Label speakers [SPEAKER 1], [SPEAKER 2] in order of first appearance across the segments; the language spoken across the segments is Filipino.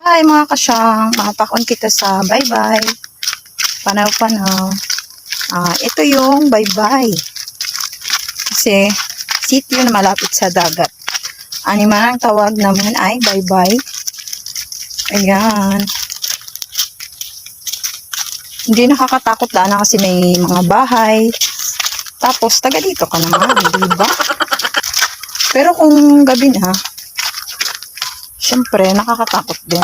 [SPEAKER 1] Hi mga kasyang, mapakon kita sa bye-bye. Panaw-panaw. Ito yung bye-bye. Kasi sitio na malapit sa dagat. Man ang tawag naman ay bye-bye. Ayan. Hindi nakakatakot na kasi may mga bahay. Tapos taga dito ka naman, diba? Pero kung gabi na, syempre nakakatakot din.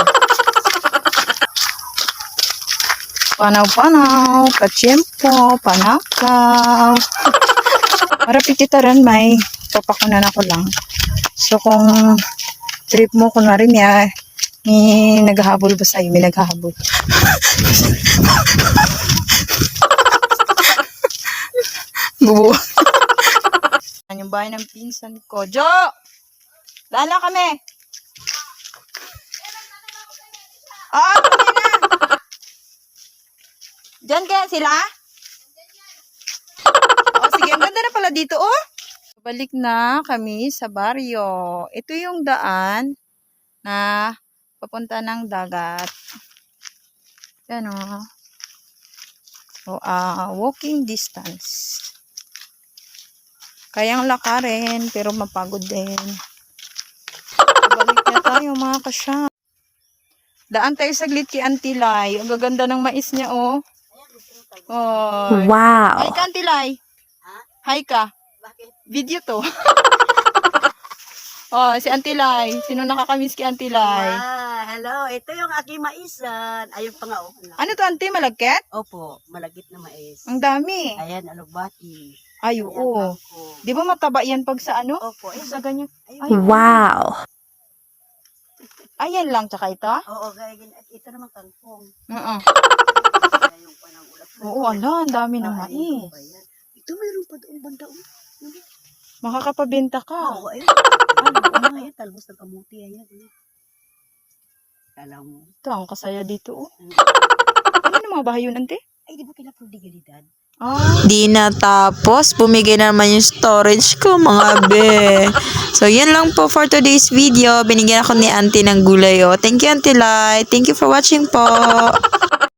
[SPEAKER 1] Panaw-panaw, kachempo, panakaw. Para pikitaran may papakunan ako lang. So kung trip mo kunwari may naghahabol ba sa'yo? May naghahabol. Bubuo. Yung bahay ng pinsan ko. Jo! Lala kami! Kami na! Diyan kaya sila? Sige, ang ganda na pala dito, oh. Balik na kami sa baryo. Ito yung daan na papunta ng dagat. Yan, oh. So, walking distance. Kayang lakarin, pero mapagod din. Balik na tayo, mga kasya. Daan tayo saglit kay Auntie Lai. Ang gaganda ng mais niya, oh. Oh.
[SPEAKER 2] Wow.
[SPEAKER 1] Hi ka, Auntie Lai. Hi ka.
[SPEAKER 3] Bakit?
[SPEAKER 1] Video to. Si Auntie Lai. Sino nakakamiss kay Auntie Lai?
[SPEAKER 3] Hello. Ito yung aking maisan. Ayun pa nga, oh.
[SPEAKER 1] Ano to, Auntie? Malagkit?
[SPEAKER 3] Opo, malagit na mais.
[SPEAKER 1] Ang dami.
[SPEAKER 3] Ayan, alubati.
[SPEAKER 1] Ay, oo. Di ba mataba yan pag sa ano?
[SPEAKER 3] Opo, ayun.
[SPEAKER 1] Sa ganyan.
[SPEAKER 3] Ayun.
[SPEAKER 1] Ay,
[SPEAKER 2] Wow.
[SPEAKER 1] ayan lang, tsaka ito?
[SPEAKER 3] Oo, gaya ganyan. Ito naman kangkong.
[SPEAKER 1] Oo.
[SPEAKER 3] Yung panang ulap.
[SPEAKER 1] Oo, ala, ang dami ng mais.
[SPEAKER 3] Ayan. Ito mayroon pa doon banda.
[SPEAKER 1] Makakapabenta ka.
[SPEAKER 3] Oo, ayun. Ayun, talbos ng kamuti. Ayan. Alam mo.
[SPEAKER 1] Ito, ang kasaya dito, oh. Ano yung mga bahay yun, Auntie?
[SPEAKER 3] Ay, di ba kila prodigalidad?
[SPEAKER 2] Di natapos, bumigay na naman yung storage ko, mga be. So, yun lang po for today's video. Binigyan ako ni Auntie ng gulay, oh. Thank you, Auntie Lai. Thank you for watching po.